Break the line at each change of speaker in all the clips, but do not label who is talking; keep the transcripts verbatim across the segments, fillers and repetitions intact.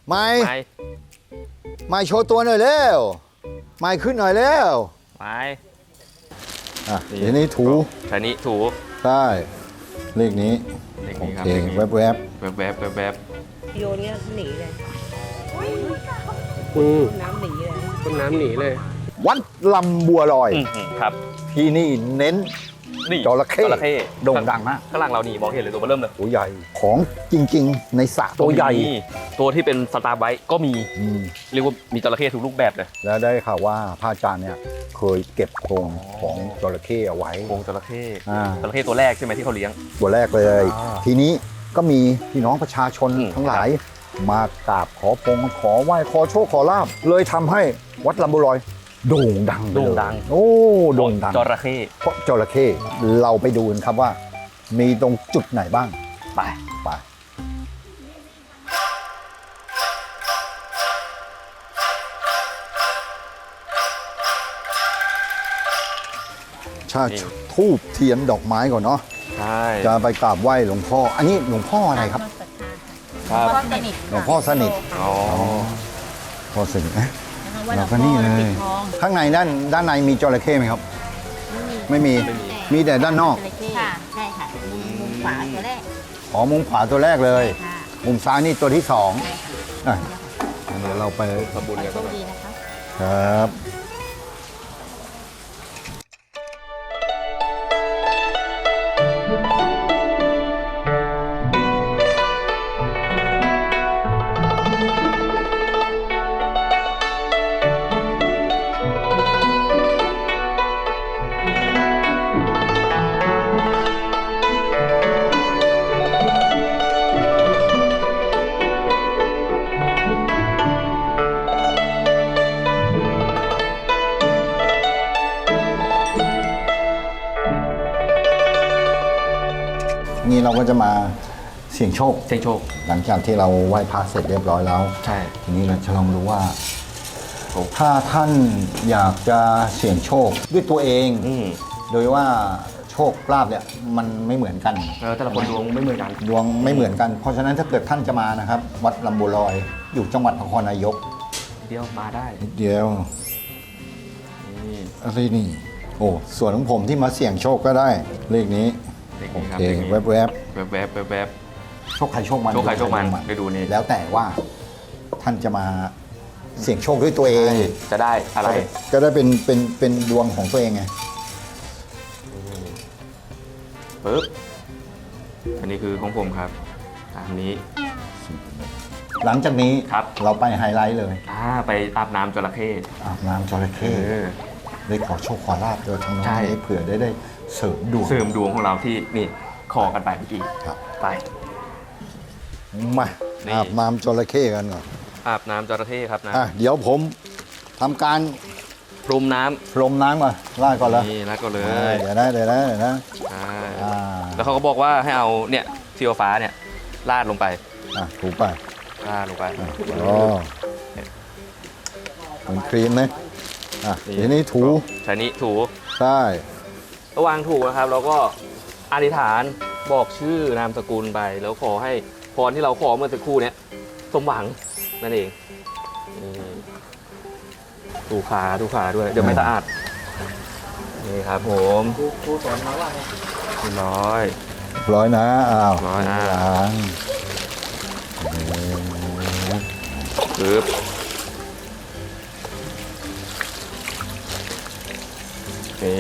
ไม่
ไม่
ไม่โชว์ตัวหน่อยเร็วไม่ขึ้นหน่อยเร็ว
ไม่
อ่ะทีนี้ถู
ใช้นี้ถู
ใช่เลขนี้
เลข
โอ
นี้ครับ
เค
เลขนี้
แวบๆ
แวบแวบแวบแวบ
โยนเนี้ยหนีเลย
อืม
น้ำหนีเลย
ต้นน้ำหนีเลย
วัดลำบัวลอย
อืมครับ
ที่นี่เน้น
นี่
จระเข้
จระเข้
โด่งดังมาก
ข้างหลังเรานี่มองเห็นเลยตัวเบอร์เริ่มเลย
ตัวใหญ่ของจริงๆ ในสระตัวใหญ่
มีตัวที่เป็นสตาร์ไบต์ก็มี
อืม
เรียกว่ามีจระเข้ทุกรูปแบบเลย
แล้วได้ข่าวว่าพระอาจารย์เนี่ยเคยเก็บโครงของจระเข้เอาไว้
โครงจระเข้
อ่า
จระเข้ตัวแรกใช่ไหมที่เขาเลี้ยง
ตัวแรกเลย
อ่า
ทีนี้ก็มีพี่น้องประชาชน
อืม
ทั้งหลาย มากราบขอพงขอไหว้ขอโชคขอลาบเลยทำให้วัดลำบุลอยโด่งดังไปเลย
โด่งดัง
โอ้โด่งดัง
จระเข้
เพราะจระเข้เราไปดูกันครับว่า มีตรงจุดไหนบ้าง
ไป
ไปชาทูบเทียนดอกไม้ก่อนเนาะ
ใช่
จะไปกราบไหว้หลวงพ่อ อันนี้หลวงพ่ออะไรครับ
ครับ
พ่อสนิท
หลวงพ่อสนิท
อ๋อ
พ่อสนิทนะ
ว่าหล
เรา
วง
ก็
พ่
นี่
อ
เล
ปิ
ย
ดทอง
ข้างในด้านด้านในมีจระเข้ไหมครับ ไม่มี มีแต่ด้านนอก
ค่ะ ใช่ค่ะ มุมมุมขวาตัวแรก
อ๋อ มุมขวาตัวแรกเลย
ค่ะ
มุมซ้ายนี่ตัวที่สองอ่ะเดี๋ยวเราไป
ทำบุญกัน
โช
ก็
ค
ไป
ดีนะคะ
ครับ นี่เราก็จะมาเสี่ยงโชค
เสียงโชค
หลังจากที่เราไหว้พระเสร็จเรียบร้อยแล้ว
ใช่
ทีนี้เราจะลองดูว่า
โอ้
ถ้าท่านอยากจะเสี่ยงโชคด้วยตัวเอง
อืม
โดยว่าโชคลาภเนี่ยมันไม่เหมือนกัน
เออแต่ละคนดวงไม่เหมือนกัน
ดวงไม่เหมือนกัน เพราะฉะนั้นถ้าเกิดท่านจะมานะครับ วัดลำบัวลอยอยู่จังหวัดนครนายก
เดียวมาได้
นิดเดียว
นี่
อะไรนี่ โอ้ส่วนของผมที่มาเสี่ยงโชคก็ได้ เลขนี้
เลข
โอ
นี้ครับ
เค
เลขนี้
แวบ
แวบแวบแวบแวบ
ๆโชคใครโชคมัน
โชคใครโชคมันไปดูนี่
แล้วแต่ว่าท่านจะมาเสี่ยงโชคด้วยตัวเอง
จะได้อะไร
ก็ได้เป็นเป็นเป็นดวงของตัวเองไง
ปึ๊บ อันนี้คือของผมครับตามนี้
หลังจากนี้
ครับ
เราไปไฮไลท์เลย
อ่าไปอาบน้ำจระเข้
อาบน้ำจระ
เอ
เข้
อ
ได้ขอโชคขอลาบโดยทางโน้น
ใช่
ให้เผื่อได้ได้เสริมดวง
เสริมดวงของเราที่นี่ขอกันไปเมื่อกี้
ครับ
ไป
มา
นี่
อาบน้ำจระเข้กันก่อน
อาบน้ำจระเข้ครับนะ
อ่ะเดี๋ยวผมทำการ
พรมน้ำ
พรมน้ำก่อนลาดก่อนเลย
นี่แล้วก็เล
อ่าย เดี๋ยวนะเดี๋ยวนะเดี๋ยวนะ
ใช่
อ่า
แล้วเขาก็บอกว่าให้เอาเนี่ยซีโอฟ้าเนี่ยลาดลงไป
อ่ะถูไป
ลาดลงไป
อ๋อเหมือนครีมไหมอ่ะทีนี้ถู
ใช้นี้ถู
ใช่
ระหว่างถูนะครับ เราก็อธิษฐานบอกชื่อนามสกุลไป แล้วขอให้พรที่เราขอเมื่อสักครู่เนี้ยสมหวังนั่นเองนี่ถูขาถูขาด้วย เดี๋ยวไม่สะอาดนี่ครับผมครูสอนมาว่าไงร้อย
ร้อยนะอ้าว
ร้อยนะ
ล้าง
ปึ๊บนี่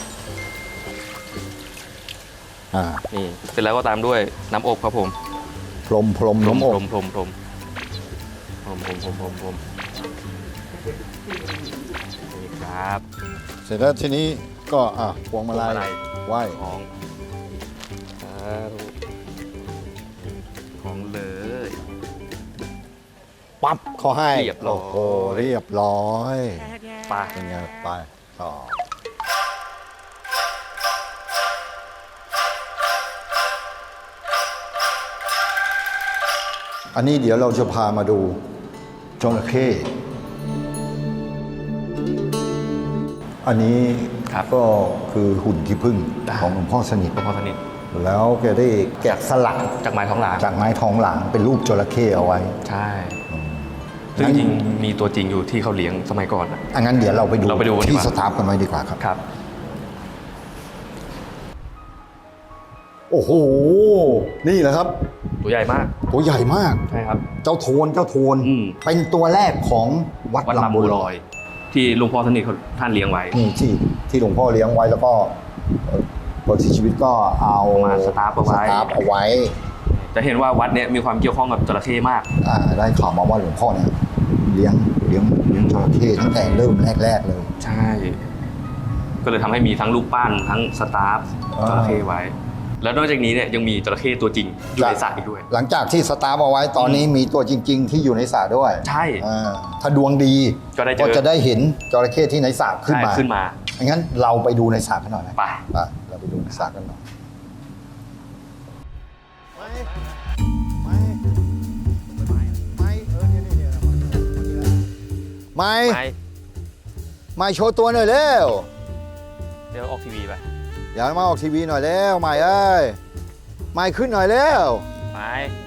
อ่า
นี่เสร็จแล้วก็ตามด้วยน้ำอบครับผม
พรมพรม
พรม
น้ำอ
พร
บ
มพรมพรมพรมพรมพรมพรมพรมนี่ครับ
เสร็จแล้วทีนี้ก็อ่ะพวงมาลั
พวงมาลั
ย
ย
ไหว้
ของสาธุของเลย
ปั๊บเขาให้
เรียบร้อย
โอ้โหเรียบร้อย
ปลา
เป็นไงไปต่ออันนี้เดี๋ยวเราจะพามาดูจระเข้อันนี้
ครับ
ก็คือหุ่นขี้ผึ้งของหลวงพ่อสนิท
หลวงพ่อสนิท
แล้วแกได้แกะสลัก
จากไม้ท้องหลาง
จากไม้ทองหลางเป็นรูปจระเข้เอาไว้
ใช่
อืม
ซึ่งจริงๆมีตัวจริงอยู่ที่เขาเลี้ยงสมัยก่อนนะ
อังั้นเดี๋ยวเราไปดู
เราไปดูกันดี
ที่
กว่า
สตาฟกันไว้ดีกว่าครับ
ครับ
โอ้โห นี่แหละครับ
ตัวใหญ่มาก
ตัวใหญ่มาก
ใช่ครับ
เจ้าโทนเจ้าโทน
อืม
เป็นตัวแรกของวัด
วัด
ลำ
ลำ
บั
บั
ว
ว
ล
ล
อ
อย ย ที่หลวงพ่อสนิทเขาท่านเลี้ยงไว้
นี่ที่ที่หลวงพ่อเลี้ยงไว้แล้วก็เอ่อพอที่ชีวิตก็เอา
มาสตาร์ฟเอาไว้
สตาร์ฟเอาไว้
จะเห็นว่าวัดเนี้ยมีความเกี่ยวข้องกับจระเข้มาก
อ่าได้ข่าวมาว่าหลวงพ่อเนี่ยเลี้ยงเลี้ยงเลี้ยงจระเข้ตั้งแต่เริ่มแรกๆเลย
ใช่ ก็เลยทำให้มีทั้งรูปปั้นทั้งสตาฟ
อ่า
จระเข้ไว้ แล้วนอกจากนี้เนี่ยยังมีจระเข้ตัวจริงอยู่ในสระอีกด้วย
หลังจากที่สตาร์ฟเอาไว้ตอนนี้มีตัวจริง ๆ ที่อยู่ในสระด้วย
ใช่
อ่าถ้าดวงดี
ก็ได้เจอ
ก็จะได้เห็นจระเข้ที่ในสระขึ้น
ใช่
มา
ขึ้นมา
งั้นเราไปดูในสระกันหน่อยไหม
ไป
ไปเราไปดูในสระกันหน่อยไม่
ไป
ไม่โชว์ตัวหน่อยเร็ว
เดี๋ยวออกทีวีไป
อย่ามาออกทีวีหน่อยเร็วไม่เอ้ยไม่ขึ้นหน่อยเร็ว
ไป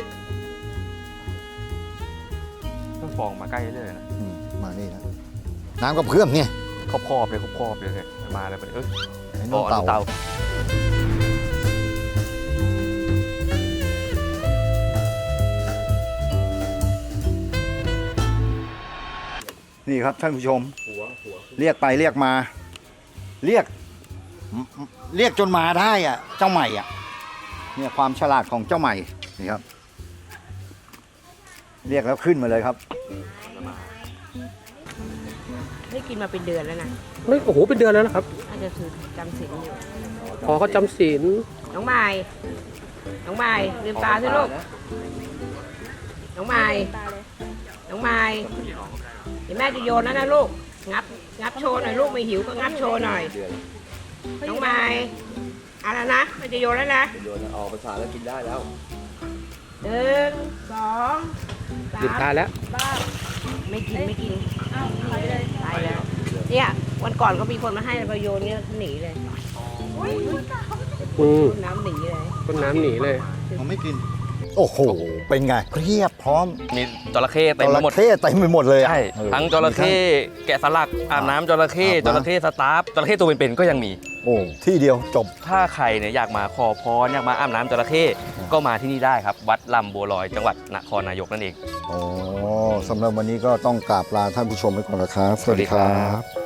ต้องฟองมาใกล้เรื่อยๆนะ
อืมมานี่นะน้ำกับเพื่อมเนี่ย
ครอบๆเลยครอบๆเลยเนี่ยมาเลยไปเอ้ย
ไอ้
อ๋
น้
อ
อง
อัน
เต่า
นี้เต่า
นี่ครับท่านผู้ชม เรียกไปเรียกมา เรียก เรียกจนมาได้อ่ะ เจ้าใหม่อ่ะ เนี่ยความฉลาดของเจ้าใหม่นี่ครับ เรียกแล้วขึ้นมาเลยครับ
ไม่กินมาเป็นเดือนแล้วนะ
ไม่โอ้โหเป็นเดือนแล้วนะครับ
อาจจะถือจำศีลอยู่
พอเขาจำศีล
น้องไม้น้องไม้ลืมตาสิลูก น้องไม้น้องไม้เดี๋ยวแม่จะโยนแล้วนะลูก งับ งับโชว์หน่อยลูกไม่หิวก็งับโชว์หน่อย น้องไม้เอาแล้วนะแม่จะโยนแล้วนะ
โยนออกภาษาแล้วกินได้แล้ว
หนึ่งสองสา
ลืมตาม แล้ว
ไม่กินไม่กินตายแล้ว เนี่ยวันก่อนก็มีคนมาให้ไปโยนเนี่ยหนีเลย
อืม
น้ำหนีเลย
ต้นน้ำหนีเลย
มันไม่กิน โอ้โห เป็นไงเรียบพร้อม
มีจระเข้เต็ม
จ
ไป
ระ
หมด
เข้เต็มไปหมดเลยอะ
ใช่
เออ
ทั้งจระเข้แกะสลักอาบน้ำจระเข้
อาบ
จ
น้ำ
ระเข้สตาฟจระเข้ตัวเป็นๆก็ยังมี
โอ้ที่เดียวจบ
ถ้าใครเนี่ยอยากมาขอพรอยากมาอาบน้ำจระเข้ก็มาที่นี่ได้ครับ วัดลำบัวลอยจังหวัดนครนายกนั่นเอง
อ๋อสำหรับวันนี้ก็ต้องกราบลาท่านผู้ชมไปก่อนนะครับ
สวัสดีครับ